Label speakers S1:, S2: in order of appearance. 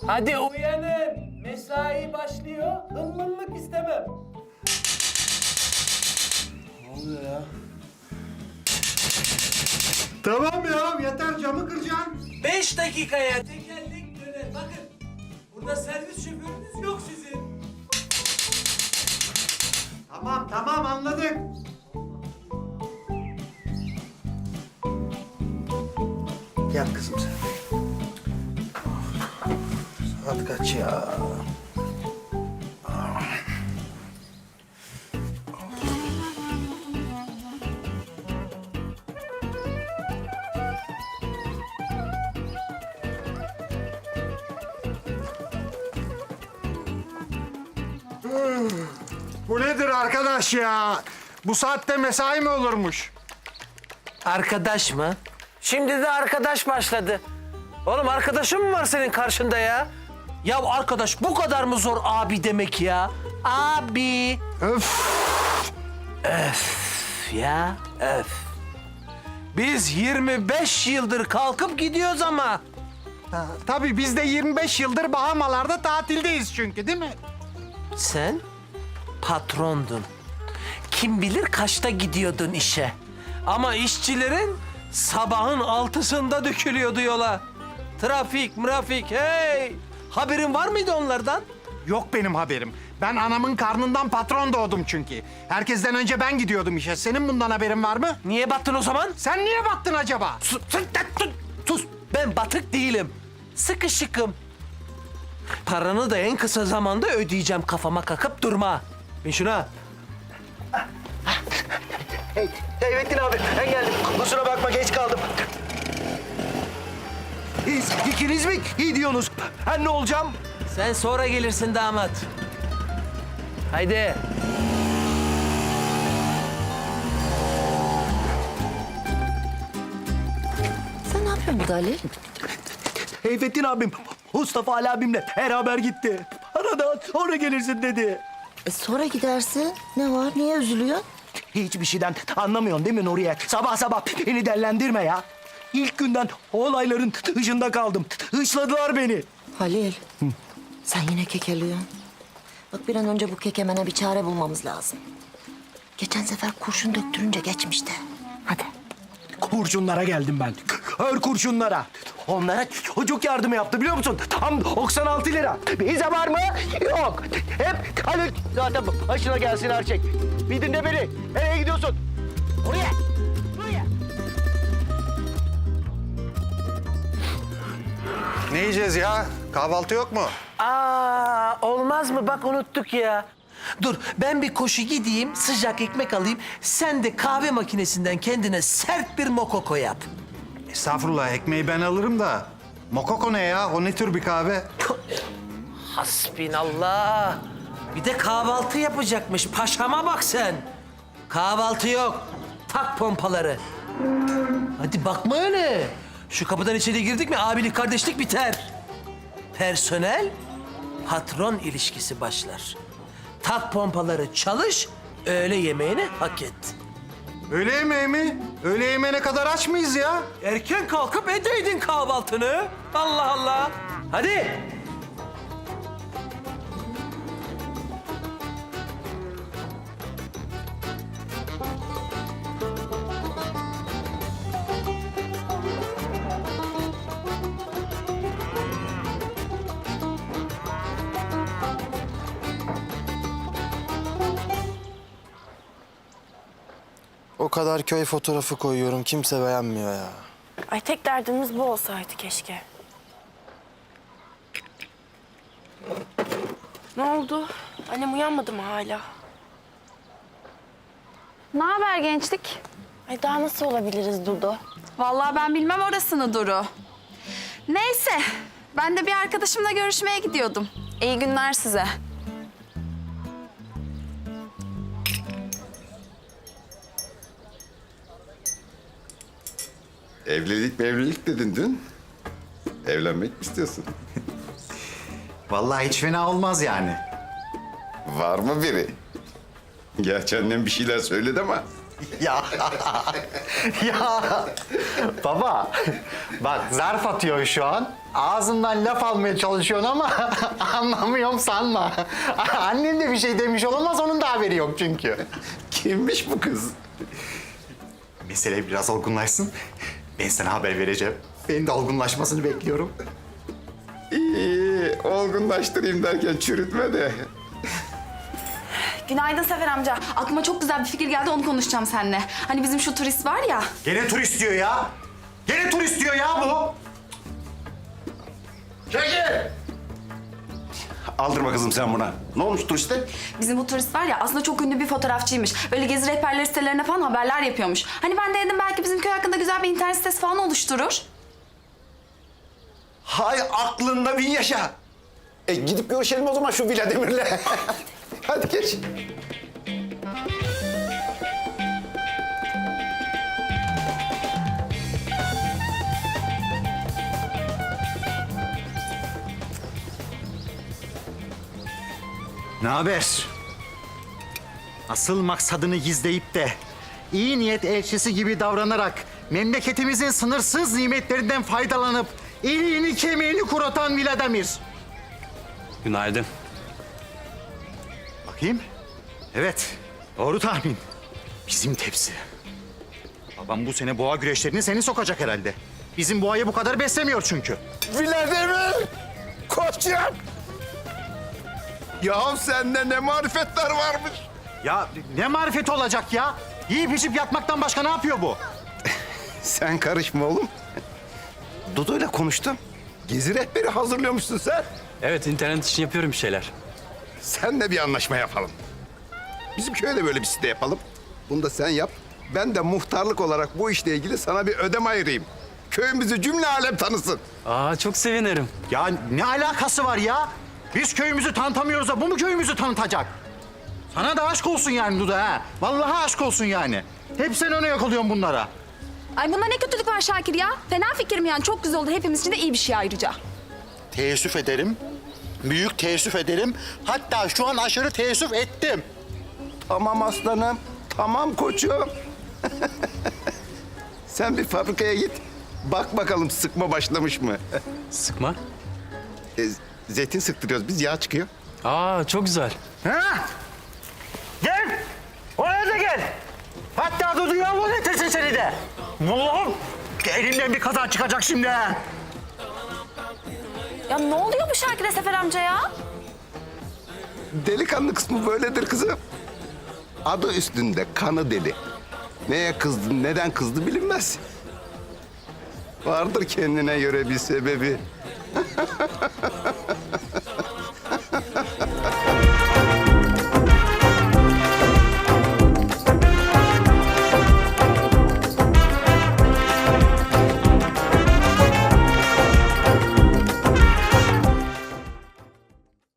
S1: Hadi uyanın. Mesai başlıyor. Hımmınlık istemem.
S2: Ne oluyor ya?
S3: Tamam ya, yeter camı kıracaksın.
S1: 5 dakikaya tekerlek döner. Bakın, burada servis şoförünüz yok sizin.
S3: Tamam anladık.
S2: Gel kızım sen. Saat kaç ya?
S3: Bu nedir arkadaş ya? Bu saatte mesai mi olurmuş?
S1: Arkadaş mı? Şimdi de arkadaş başladı. Oğlum arkadaşın mı var senin karşında ya? Ya arkadaş bu kadar mı zor abi demek ya? Abi.
S3: Öf!
S1: Ya öf. Biz 25 yıldır kalkıp gidiyoruz ama.
S3: Tabii biz de 25 yıldır Bahamalarda tatildeyiz çünkü değil mi?
S1: Sen patrondun. Kim bilir kaçta gidiyordun işe. Ama işçilerin sabahın 6'sında dökülüyordu yola. Trafik, hey! Haberin var mıydı onlardan?
S3: Yok benim haberim. Ben anamın karnından patron doğdum çünkü. Herkesten önce ben gidiyordum işe. Senin bundan haberin var mı?
S1: Niye battın o zaman?
S3: Sen niye battın acaba?
S1: Sus! Ben batık değilim. Sıkışıkım. Paranı da en kısa zamanda ödeyeceğim, kafama kakıp durma. Bin şuna.
S2: Seyfettin abi ben geldim. Kusura bakma geç kaldım. Siz ikiniz mi gidiyorsunuz? Ben ne olacağım?
S1: Sen sonra gelirsin damat. Haydi.
S4: Sen ne yapıyorsun burada Ali?
S2: Seyfettin abim Mustafa Ali abimle beraber gitti. Bana da sonra gelirsin dedi.
S4: Sonra gidersin. Ne var? Niye üzülüyorsun?
S2: Hiçbir şeyden anlamıyorsun değil mi Nuriye? Sabah sabah beni dellendirme ya. İlk günden olayların dışında kaldım. Hışladılar beni.
S4: Halil. Sen yine kekeliyorsun. Bak bir an önce bu kekemene bir çare bulmamız lazım. Geçen sefer kurşun döktürünce geçmişti. Hadi.
S2: Kurşunlara geldim ben. Kör kurşunlara. Onlara çocuk yardımı yaptı biliyor musun? Tam 96 lira. Bize var mı? Yok. Hep Halil zaten başına gelsin her şey. Bir dinle beni. Nereye gidiyorsun? Oraya. Buraya.
S3: Ne yiyeceğiz ya? Kahvaltı yok mu?
S1: Olmaz mı? Bak unuttuk ya. Dur, ben bir koşu gideyim, sıcak ekmek alayım. Sen de kahve makinesinden kendine sert bir mokoko yap.
S3: Estağfurullah, ekmeği ben alırım da. Mokoko ne ya? O ne tür bir kahve?
S1: Hasbinallah. Bir de kahvaltı yapacakmış. Paşama bak sen. Kahvaltı yok. Tak pompaları. Hadi bakma öyle. Şu kapıdan içeri girdik mi abilik kardeşlik biter. Personel, patron ilişkisi başlar. Tak pompaları, çalış, öğle yemeğini hak et.
S3: Öğle yemeği mi? Öğle yemeğine kadar aç mıyız ya?
S1: Erken kalkıp edeydin kahvaltını. Allah Allah. Hadi.
S5: O kadar köy fotoğrafı koyuyorum, kimse beğenmiyor ya.
S6: Ay tek derdimiz bu olsaydı keşke. Ne oldu? Annem uyanmadı mı hala?
S7: Ne haber gençlik?
S6: Ay daha nasıl olabiliriz Dudu?
S7: Vallahi ben bilmem orasını Duru. Neyse, ben de bir arkadaşımla görüşmeye gidiyordum. İyi günler size.
S8: Evlilik dedin dün. Evlenmek mi istiyorsun?
S3: Vallahi hiç fena olmaz yani.
S8: Var mı biri? Gerçi annem bir şeyler söyledi ama.
S2: Ya. Ya.
S3: Baba, bak zarf atıyor şu an. Ağzından laf almaya çalışıyorsun ama anlamıyorum sanma. Annem de bir şey demiş olamaz, onun da haberi yok çünkü.
S8: Kimmiş bu kız?
S3: Mesele biraz olgunlaşsın. Ben sana haber vereceğim. Ben de olgunlaşmasını bekliyorum.
S8: İyi, olgunlaştırayım derken çürütme de.
S7: Günaydın Sefer amca. Aklıma çok güzel bir fikir geldi, onu konuşacağım seninle. Hani bizim şu turist var ya.
S3: Gene turist diyor ya. Gene turist diyor ya bu.
S8: Çekil! Aldırma kızım sen buna. Ne olmuş turiste?
S7: Bizim bu turist var ya aslında çok ünlü bir fotoğrafçıymış. Böyle gezi rehberleri sitelerine falan haberler yapıyormuş. Hani ben de dedim belki bizim köy hakkında güzel bir internet sitesi falan oluşturur.
S8: Hay aklında bin yaşa. Gidip görüşelim o zaman şu Vladimir'le. Hadi geç.
S3: Ne haber? Asıl maksadını gizleyip de iyi niyet elçisi gibi davranarak memleketimizin sınırsız nimetlerinden faydalanıp iliğini kemiğini kuratan Vladimir.
S9: Günaydın.
S3: Bakayım. Evet, doğru tahmin. Bizim tepsi. Babam bu sene boğa güreşlerini seni sokacak herhalde. Bizim boğayı bu kadar beslemiyor çünkü.
S8: Vladimir! Koçum! Ya sende ne marifetler varmış.
S3: Ya ne marifeti olacak ya? Yiyip içip yatmaktan başka ne yapıyor bu?
S8: Sen karışma oğlum. Dudu'yla konuştum. Gezi rehberi hazırlıyormuşsun sen.
S9: Evet, internet için yapıyorum bir şeyler.
S8: Senle bir anlaşma yapalım. Bizim köyde böyle bir site yapalım. Bunu da sen yap. Ben de muhtarlık olarak bu işle ilgili sana bir ödeme ayırayım. Köyümüzü cümle alem tanısın.
S9: Aa, çok sevinirim.
S3: Ya ne alakası var ya? Biz köyümüzü tanıtamıyoruz da bu mu köyümüzü tanıtacak? Sana da aşk olsun yani Duda ha. Vallahi aşk olsun yani. Hep sen öne yakalıyorsun bunlara.
S7: Ay bunda ne kötülük var Şakir ya? Fena fikir mi yani? Çok güzel oldu. Hepimiz için de iyi bir şey ayrıca.
S10: Teessüf ederim. Büyük teessüf ederim. Hatta şu an aşırı teessüf ettim.
S8: Tamam aslanım. Tamam koçum. Sen bir fabrikaya git. Bak bakalım sıkma başlamış mı?
S9: Sıkma.
S8: Zeytin sıktırıyoruz biz, yağ çıkıyor.
S9: Aa, çok güzel.
S3: Ha? Gel. Oraya da gel. Hatta Dudu'yu al getirsin seni de. Allah'ım. Elimden bir kaza çıkacak şimdi ha.
S7: Ya ne oluyor bu Şakir'e Sefer amca ya?
S8: Delikanlı kısmı böyledir kızım. Adı üstünde, kanı deli. Neye kızdı, neden kızdı bilinmez. Vardır kendine göre bir sebebi.